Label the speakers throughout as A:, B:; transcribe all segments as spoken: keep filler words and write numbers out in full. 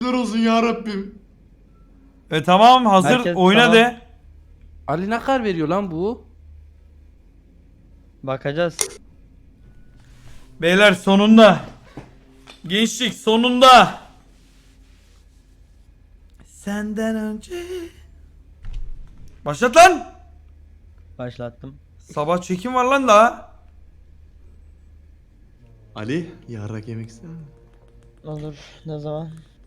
A: olsun ya Rabbim.
B: E tamam hazır
C: Herkes
B: oyna
C: tamam.
B: de.
D: Ali ne kadar veriyor lan bu?
C: Bakacağız.
B: Beyler sonunda. Gençlik sonunda. Senden önce. Başlat lan.
C: Başlattım.
B: Sabah çekim var lan daha.
A: Ali yarrak yemek ister misin?
C: Olur. Ne zaman?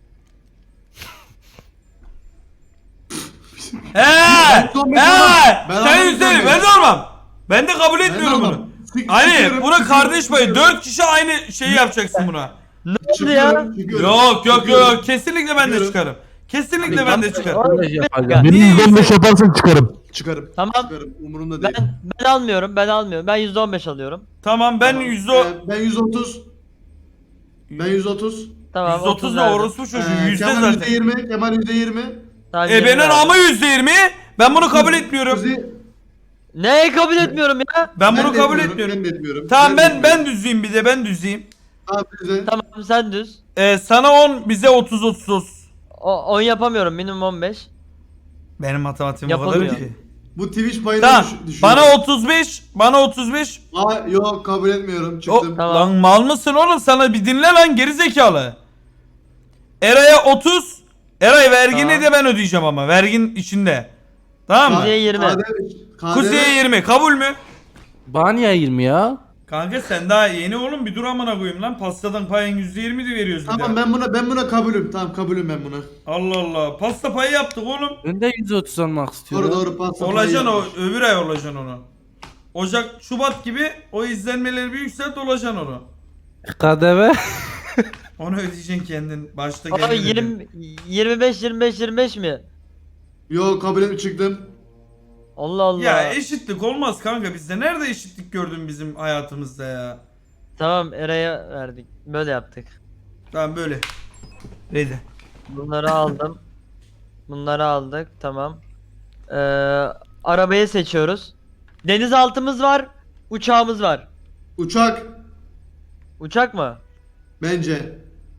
B: He!
A: Ben-
B: He!
A: ben
B: Sen
A: almam,
B: yüzleri
A: ben-
B: ben de almam. Ben de kabul etmiyorum
A: almam.
B: bunu.
A: Sik-
B: Ali
A: sikiyorum,
B: buna
A: sikiyorum,
B: kardeş payı.
A: sikiyorum.
B: Dört kişi aynı şeyi yapacaksın buna.
C: Ne oldu ya?
A: Çıkıyorum, çıkıyorum,
B: Yok yok yok
A: çıkıyorum.
B: yok. Kesinlikle ben de
A: Çıkıyorum.
B: çıkarım. Kesinlikle ben de çıkarım.
D: Arkadaş yapacağım.
B: Niye
E: yüzde on beş yaparsan çıkarım.
A: Çıkarım.
C: Tamam.
A: Çıkarım. Umurumda değil.
C: Ben ben almıyorum. Ben almıyorum. Ben yüzde on beş alıyorum.
B: Tamam ben
A: Tamam.
B: yüzde
A: Ee, ben yüz otuz. Ben yüz otuz.
C: Tamam.
B: yüzde otuz da
C: verdim.
B: orospu çocuğu
A: Ee,
B: yüzde
A: Kemal
B: zaten.
A: yüzde yirmi. Kemal yüzde yirmi.
C: Tamam,
B: E
C: yirmi
B: benim
C: verdim.
B: ama yüzde yirmi. Ben bunu kabul etmiyorum.
A: Kuzi-
C: Neyi kabul etmiyorum ya?
B: Ben bunu
A: de
B: kabul
A: etmiyorum,
B: etmiyorum.
A: Ben de etmiyorum.
B: Tamam
A: de
B: ben
A: etmiyorum.
B: ben düzeyim bir de ben düzeyim.
A: Tamam bize.
C: Tamam sen düz.
B: Ee, sana on bize otuz otuz otuz.
C: O, on yapamıyorum. Minimum on beş.
B: Benim matematiğim o kadar
C: Yapılmıyor.
B: ki.
A: Bu Twitch payını
B: Tamam.
A: düş- düşüyor.
B: Bana otuz beş, bana otuz beş.
A: Aa, yok kabul etmiyorum.
B: O,
A: Çıktım.
C: Tamam.
B: Lan mal mısın oğlum? Sana bir dinle lan geri zekalı. Eray'a otuz. Eray vergini
C: Tamam.
B: de ben ödeyeceğim ama vergin içinde. Tamam mı?
C: Kuzey'e yirmi.
A: K D V K D V
B: Kuzey'e yirmi kabul mü?
D: Bana niye yirmi ya?
B: Kanka sen daha yeni oğlum bir dur amına koyayım lan. Pastadan payın yüzde yirmi de veriyoruz bir
A: Tamam
B: de.
A: ben buna ben buna kabulüm. Tamam kabulüm ben buna.
B: Allah Allah. Pasta payı yaptık oğlum.
D: Ben de yüz otuz almak istiyorum.
A: Doğru doğru pasta.
B: Olacaksın o
A: payı.
B: öbür ay olacaksın onu. Ocak, Şubat gibi o izlenmeleri bir yükselt olacaksın onu.
D: K D V.
B: Onu ödeyeceksin kendin. Başta
C: Abi
B: kendin ödeyeceksin.
C: yirmi, yirmi beş yirmi beş yirmi beş mi?
A: Yok kabul etmiyorum çıktım.
C: Allah Allah.
B: Ya eşitlik olmaz kanka bizde. Nerede eşitlik gördün bizim hayatımızda ya?
C: Tamam Eray'a verdik. Böyle yaptık.
B: Tamam böyle. Ready.
C: Bunları aldım. Bunları aldık. Tamam. Ee, arabayı seçiyoruz. Denizaltımız var. Uçağımız var.
A: Uçak
C: Uçak mı?
A: bence.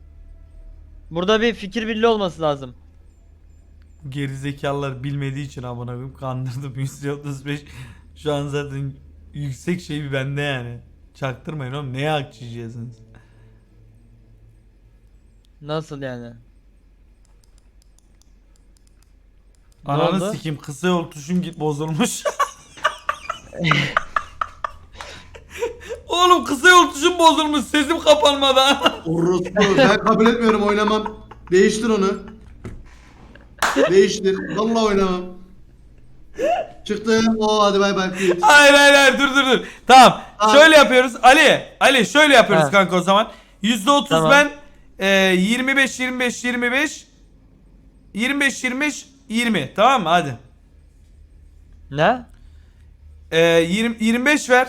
C: Burada bir fikir birliği olması lazım.
B: Gerizekalılar bilmediği için amına koyayım kandırdım yüzde otuz beş. Şu an zaten yüksek şey bir bende yani. Çaktırmayın oğlum neye hak çiziyorsunuz?
C: Nasıl yani? Ne
B: Ananı
C: oldu?
B: sikim kısa yol tuşum git bozulmuş. Oğlum kısa yol tuşum bozulmuş sesim kapanmadan.
A: Orospu. Ben kabul etmiyorum oynamam. Değiştir onu. Değiştir. Vallahi oynamam. Çıktım. Oo hadi bay bay.
B: Hayır hayır hayır dur dur dur. Tamam.
A: Tamam.
B: Şöyle yapıyoruz. Ali. Ali şöyle yapıyoruz
C: Ha.
B: kanka o zaman. yüzde otuz
C: Tamam.
B: ben. E, yirmi beş yirmi beş yirmi beş. yirmi beş yirmi beş yirmi. Tamam mı? Hadi.
C: Ne?
B: E, yirmi, yirmi beş ver.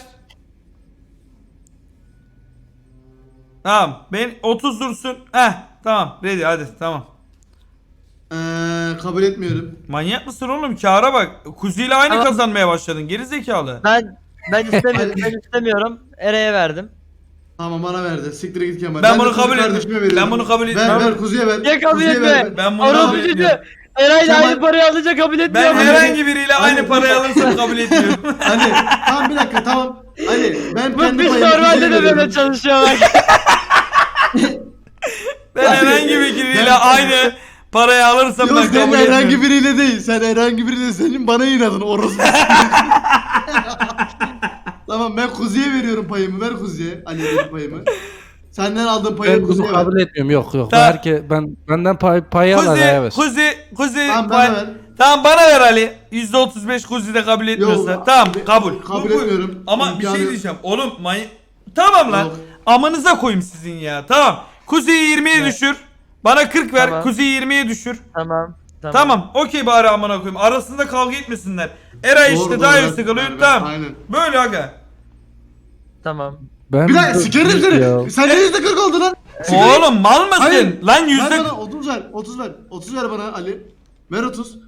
B: Tamam. Ben otuz dursun. Heh. Tamam. Ready hadi tamam.
A: Eee kabul etmiyorum.
B: Manyak mısın oğlum? Kâra bak. Kuzi ile aynı
C: Tamam.
B: kazanmaya başladın. Geri zekalı.
C: Ben ben istemiyorum. ben istemiyorum. Eray'a verdim.
A: Tamam bana verdi. Siktir git Kemal.
B: Ben
A: de
B: bunu
A: kuzu
B: kabul etmiyorum.
A: kardeşime veriyorum.
B: Ben bunu kabul
A: Ver
B: etmiyorum.
A: ver kuzuya ver.
C: Niye kabul
A: Kuzuya
C: etme?
A: ver.
B: Ben bunu
C: Orası
B: kabul
C: çocuğu.
B: etmiyorum.
C: Eray'la
A: Kemal-
C: aynı parayı alınca kabul
B: Ben
C: etmiyorum.
B: herhangi biriyle aynı
A: Ali-
B: parayı alırsam kabul etmiyorum.
A: Ali tamam bir dakika tamam. Ali ben
C: Bu
A: kendi
C: biz
A: payımı
C: normalde
A: kuzuya
C: de böyle
A: veriyorum.
C: çalışıyor bak.
B: Ben herhangi bir biriyle
A: Ben-
B: aynı parayı alırsam
A: Yok
B: ben
A: sen
B: kabul
A: herhangi
B: etmiyorum.
A: biriyle değil. Sen herhangi biriyle senin bana inadın orası. Tamam ben kuzuya veriyorum payımı. Ver kuzuya. Ali'ye payımı. Senden aldığım payı
D: Ben bunu
A: kuzuya ver.
D: kabul etmiyorum. Yok yok.
B: Tamam.
D: Herke, ben benden pay, payı al Ali'ye ver.
B: Kuzi, Kuzi, Kuzi.
A: Tamam,
B: pay-
A: bana ver.
B: Tamam bana ver Ali. yüzde otuz beş Kuzi de kabul etmiyorsa.
A: Yok,
B: tamam
A: abi,
B: kabul.
A: kabul
B: Bu- bu-
A: etmiyorum.
B: Ama bir
A: İmkanı
B: şey
A: yok.
B: diyeceğim. Oğlum may... Tamam lan.
A: Yok.
B: Amanıza koyayım sizin ya. Tamam. Kuzi'yi yirmiye düşür. Bana kırk ver.
C: Tamam.
B: Kuzi'yi yirmiye düşür.
C: Tamam. Tamam.
B: Tamam. Okey bari amına koyayım. Arasında kavga etmesinler. Eray
A: Doğru,
B: işte
A: doğru,
B: daha
A: evet.
B: yüksek alıyor.
A: Evet,
B: Tamam.
A: aynen.
B: Böyle aga.
C: Tamam.
D: Ben
A: Bir dakika sikerim
D: Ya.
A: seni. Sen de yüzde kırk oldu lan.
B: Oğlum mal mısın?
A: Hayır.
B: Lan
A: Ver
B: yüzde...
A: bana otuz ver. otuz ver. otuz ver bana Ali. Ver otuz.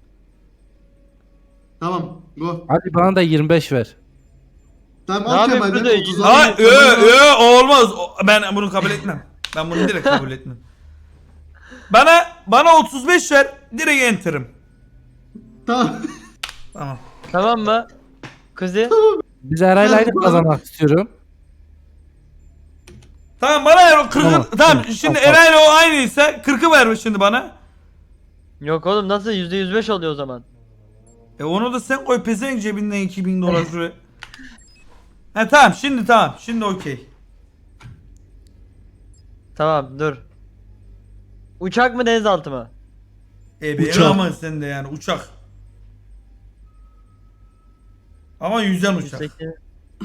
A: Tamam. Go.
D: Hadi bana da yirmi beş ver.
A: Tamam
C: Ne
A: al
C: yapayım
A: Kemal'den
C: burada?
A: otuz
B: Ha
A: al.
B: ö ö o olmaz. O- Ben bunu kabul etmem. Ben bunu direkt kabul etmem. Bana bana otuz beş ver. Direkt enter'ım.
A: Tamam.
B: Tamam.
C: Tamam mı? Kuzi.
D: Biz Eray'la aynı
A: Ben-
D: kazanmak istiyorum.
B: Tamam bana ver o kırkı. Tamam,
D: Tamam, tamam,
B: şimdi
D: tamam.
B: Eray'la o aynıysa kırkı ver şimdi bana.
C: Yok oğlum nasıl yüzde yüz beş oluyor o zaman?
B: E onu da sen koy pezevenk cebinden iki bin dolar şuraya. He tamam şimdi tamam. Şimdi okey.
C: Tamam dur. Uçak mı denizaltı mı?
B: E be
A: Uçak.
B: ama sen de yani uçak. Ama yüzen uçak.
C: yüz sekiz.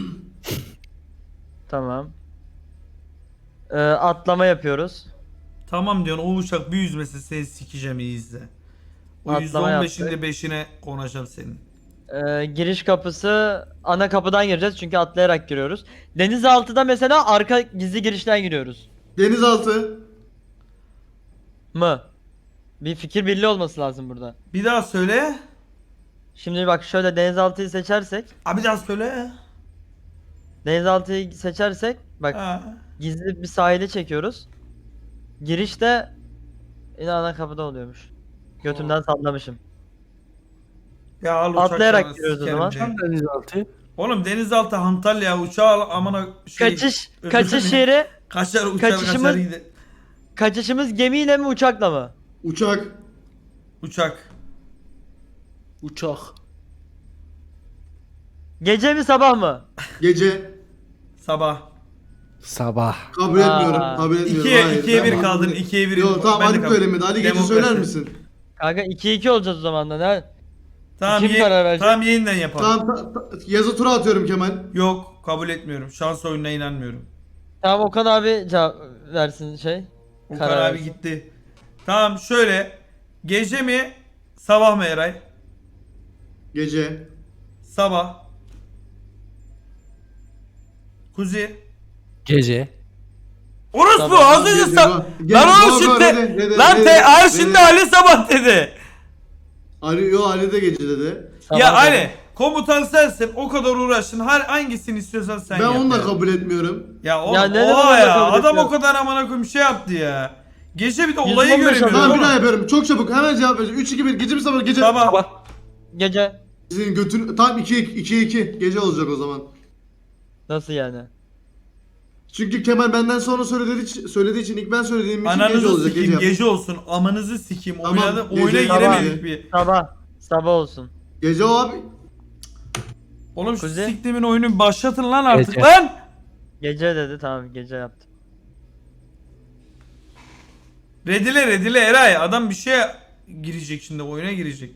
C: Tamam. Ee, atlama yapıyoruz.
B: Tamam diyorsun o uçak bir yüzmesi seni sikeceğim iyi izle. O
C: Atlama
B: yüzde on beşinde
C: yaptık.
B: beşine konacağım senin.
C: Ee, giriş kapısı ana kapıdan gireceğiz çünkü atlayarak giriyoruz. Denizaltıda mesela arka gizli girişten giriyoruz.
A: Denizaltı.
C: Mı? Bir fikir birliği olması lazım burada.
B: Bir daha söyle.
C: Şimdi bak şöyle denizaltıyı seçersek,
B: Abi bir daha söyle.
C: denizaltıyı seçersek bak
B: Ha.
C: gizli bir sahile çekiyoruz. Girişte yine ana kapıda oluyormuş. Götümden sallamışım.
B: Ya al uçak
C: Atlayarak
B: sana,
C: giriyoruz o
B: sikerim
C: zaman.
B: seni.
D: Denizaltı.
B: Oğlum denizaltı Antalya uçağı al amına şey.
C: Kaçış
B: özür
C: kaçış
B: dilerim.
C: yeri,
B: Kaçar uçar
C: kaçışımız-
B: kaçar gider.
C: kaçışımız gemiyle mi uçakla mı?
A: Uçak.
B: Uçak.
D: Uçak.
C: Gece mi sabah mı?
A: Gece.
B: Sabah.
D: Sabah.
A: Kabul
C: Aa.
A: etmiyorum. Kabul etmiyorum.
B: İkiye,
A: Hayır,
B: ikiye
A: ben
B: bir
A: kabul
B: kaldın.
A: et-
B: ikiye bir.
A: Yok tamam
B: Ben de
A: Ali
B: kabul-
A: söylemedi. Ali gece
B: Demokrasi.
A: söyler misin?
C: Kanka iki iki olacağız o zaman da ne?
B: Tamam,
C: Kim
B: ye-
C: karar verecek?
B: tamam yeniden yapalım.
A: Tamam ta- ta- yazı tura atıyorum Kemal.
B: Yok kabul etmiyorum. Şans oyununa inanmıyorum.
C: Tamam Okan abi cevap versin şey.
B: Okan
C: Karar
B: abi
C: versin.
B: gitti. Tamam şöyle. Gece mi? Sabah mı Eray?
A: Gece.
B: Sabah. Kuzi.
D: Gece.
B: Orospu
C: Sabah.
B: az önce
A: Gece,
B: sa-
A: go. Gece,
B: Lan oğlum
A: go, go,
B: şimdi.
A: rede, rede,
B: Lan
A: rede,
B: te ay
A: rede.
B: şimdi Ali sabah dedi.
A: Ali yo Ali de gece dedi.
C: Sabah
B: Ya
C: dedi.
B: Ali komutan sensin o kadar uğraştın. Her hangisini istiyorsan sen
A: Ben
B: yap.
A: onu da
B: ya.
A: kabul etmiyorum.
B: Ya oğlum
C: Ya neden
B: oha
C: onu da
B: ya
C: kabul
B: adam o
C: etmiyorum?
B: kadar amına koyayım şey yaptı ya. Gece bir de
C: yüz
B: olayı
C: on beş
B: göremiyorum.
C: alıyor.
A: Tamam bir
B: oğlum.
A: daha yapıyorum. Çok çabuk hemen cevap vereceğim. üç iki bir gece mi sabah gece?
B: Sabah.
C: Gece.
A: Sizin götün tam iki iki iki gece olacak o zaman.
C: Nasıl yani?
A: Çünkü Kemal benden sonra söylediği için, söylediği için ilk ben söylediğim için gece
B: Ananızı
A: olacak
B: sikeyim
A: gece.
B: gece olsun. Amanızı sikeyim.
A: Tamam,
B: Oynadı,
A: gece,
B: oyuna
A: sabah.
B: giremedik bir.
C: Sabah. Sabah olsun.
A: Gece o abi.
B: Oğlum şu
C: Kuzi.
B: siktimin oyunu başlatın lan artık
D: Gece.
B: lan.
C: Gece dedi tamam gece yaptım.
B: Redile redile Eray adam bir şeye girecek şimdi oyuna girecek.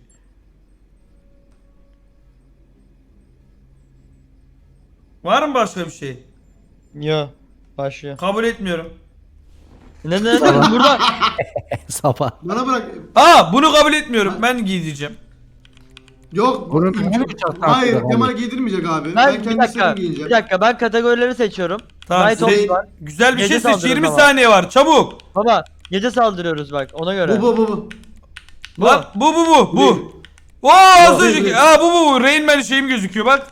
B: Var mı başka bir şey?
C: Yo. Başlıyor.
B: Kabul etmiyorum.
C: Ne ne ne burada
D: Sabah.
A: Bana bırak.
B: Aa bunu kabul etmiyorum. Ben giydireceğim.
A: Yok.
D: Bunun
A: ülke-
D: hangi uçak
A: Hayır
D: taktı
A: Kemal
D: abi?
A: giydirmeyecek abi. Ben,
C: ben,
A: ben
C: bir
A: kendi
C: dakika.
A: istediğimi
C: Bir
A: giyeceğim.
C: dakika ben kategorileri seçiyorum.
B: Tamam,
C: Night
B: size-
C: Ops var.
B: Güzel bir
C: Gece
B: şey seç.
C: saldırıyoruz
B: yirmi
C: ama.
B: saniye var. Çabuk.
C: Baba gece saldırıyoruz bak ona göre.
A: Bu bu bu bu.
C: Bu.
B: Lan bu bu bu bu.
A: Değil.
B: Oo az
A: Bu,
B: önceki.
A: değil.
B: Aa bu bu bu. Rain Man şeyim gözüküyor bak.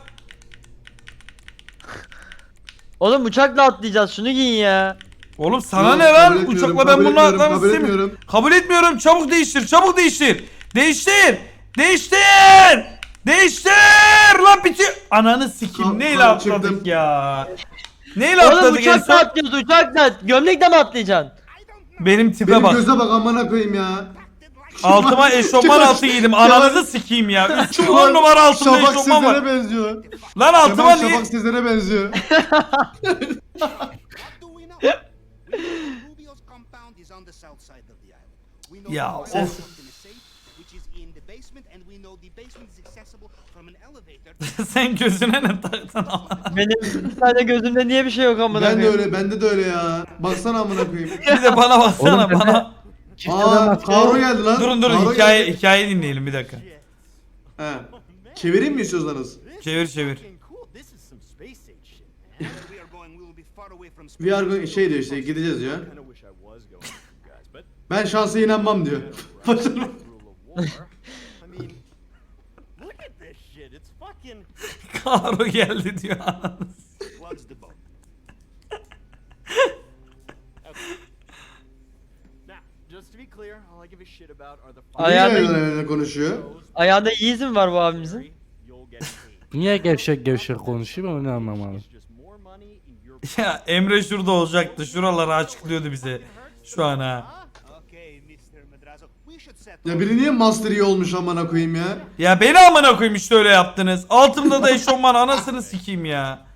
C: Oğlum uçakla atlayacağız şunu giyin ya.
B: Oğlum sana
A: Yok,
B: ne
A: kabul
B: lan?
A: etmiyorum,
B: Uçakla ben
A: kabul
B: bunu
A: etmiyorum,
B: atlamak
A: kabul
B: istemiyorum.
A: etmiyorum.
B: Kabul etmiyorum. Çabuk değiştir. Çabuk değiştir. Değiştir. Değiştir. Değiştir. Lan bitiyor. Ananı sikeyim.
A: Ka-
B: Neyle
A: ka-
B: atladık
A: çıktım.
B: ya? Neyle
C: Oğlum
B: atladık en
C: uçakla
B: son?
C: atlıyoruz uçakla. Gömlekle mi atlayacaksın?
B: Benim tipe
A: Benim
B: bak.
A: göze bak amına koyayım ya.
B: Altıma eşofman
A: Kemal-
B: altı giydim.
A: Kemal-
B: Ananızı sikeyim ya. Üç
A: Kemal
B: on numara altında
A: Şafak
B: eşofman var.
A: Sezer'e benziyor.
B: Lan altıma
A: Kemal
B: niye?
A: Şafak Sezer'e benziyor.
E: What do we know? We know Rubio's compound is on the south side of the island. We know
B: Ya,
E: the
B: of.
E: fire's locked in a safe, which is in the basement, and we know the basement is accessible from an elevator.
B: Sen gözüne ne taktın ama?
C: Benim bir tane gözümde niye bir şey yok amına
A: Ben de
C: koyayım?
A: öyle, bende de öyle ya. Baksana amına koyayım.
B: Bir de bana baksana
D: Oğlum,
B: bana.
A: Aa, Karo geldi lan.
B: Durun durun
A: Karo
B: hikaye
A: geldi.
B: hikaye dinleyelim bir dakika.
A: He. Çevireyim mi istiyorsanız?
B: Çevir çevir.
E: Cool, this is some space age shit. Where we are going, we will be far away from space.
A: We are going, şey diyor işte gideceğiz ya.
F: kind of wish I was going with you guys, but
A: Ben şansa inanmam diyor. Başarılı.
F: rule of war. I mean, look at this shit. It's fucking.
B: Karo geldi diyor ananı.
E: Floods the boat.
F: Now, just to be clear, I give a shit about are the
C: Ayağında-
A: Niye öyle konuşuyor?
C: Ayağında Yeezy mi var bu abimizin?
F: You'll get paid.
D: Niye gevşek gevşek konuşuyor ben onu anlamadım.
F: It's just more money in your
B: Ya Emre şurada olacaktı. Şuraları açıklıyordu bize. Şu an ha.
E: Okay, mister Madrazo, we should settle.
A: Ya biri niye Master Yi olmuş amına koyayım ya?
B: Ya beni amına koyayım işte öyle yaptınız. Altımda da eşofman anasını sikeyim ya.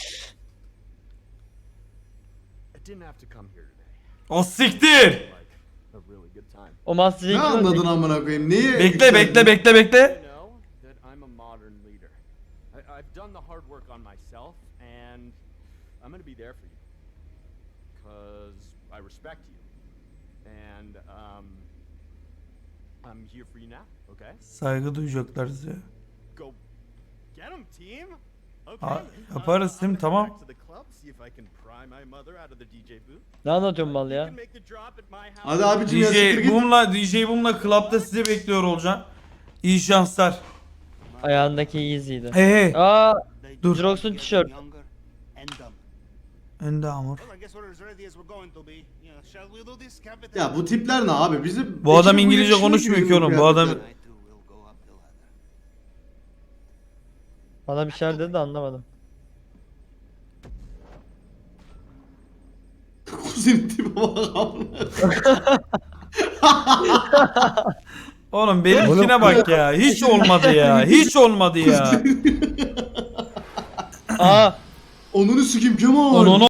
F: I didn't have to come here today.
B: O siktir.
F: Like a really good time.
C: O Master
A: Ne
C: Yi'yi kim
A: anladın
C: öldürdü?
A: amına koyayım? Neyi?
B: Bekle bekle bekle
F: You
B: bekle.
F: know that I'm a modern leader. I, I've done the hard work on myself, and I'm gonna be there for you. Cause I respect you, and um, I'm here for you now. Okay?
B: Saygı duyacaklar size.
F: Go get 'em, team. Okay.
B: Ha, yaparız
F: I'm
B: değil mi?
F: gonna go
B: Tamam.
F: back to the club, see if I can pry my mother out of the D J booth.
C: Ne anlatıyorsun mal
F: You
C: ya?
F: can make the drop at my house.
A: Hadi abicim ya siktir
B: D J
A: git.
B: Boom'la D J Boom'la club'da sizi bekliyor olacağım. İyi şanslar.
C: Ayağındaki Yeezy'ydi.
B: Hey hey.
C: Aa,
E: They
B: Dur.
E: just
C: Jirox'un
E: get
C: tişört.
E: younger and dumber.
B: Endamur.
E: Well, I guess we're as ready as we're going to be. You know, shall we do this, Captain?
A: Ya bu tipler ne abi? Bizim
B: Bu adam
A: ekibe
B: İngilizce
A: yakışmıyor
B: konuşmuyor ki
A: bizim
B: oğlum, bu adam-
A: kıyafetler.
E: I too will go up the ladder.
C: bana bir şeyler dedi de anlamadım.
A: Kuzenin tipi bak amına.
B: Oğlum benimkine bak ya. Hiç olmadı ya. Hiç olmadı ya.
C: Aa,
A: Onunu sikeyim Kemal.
B: Onu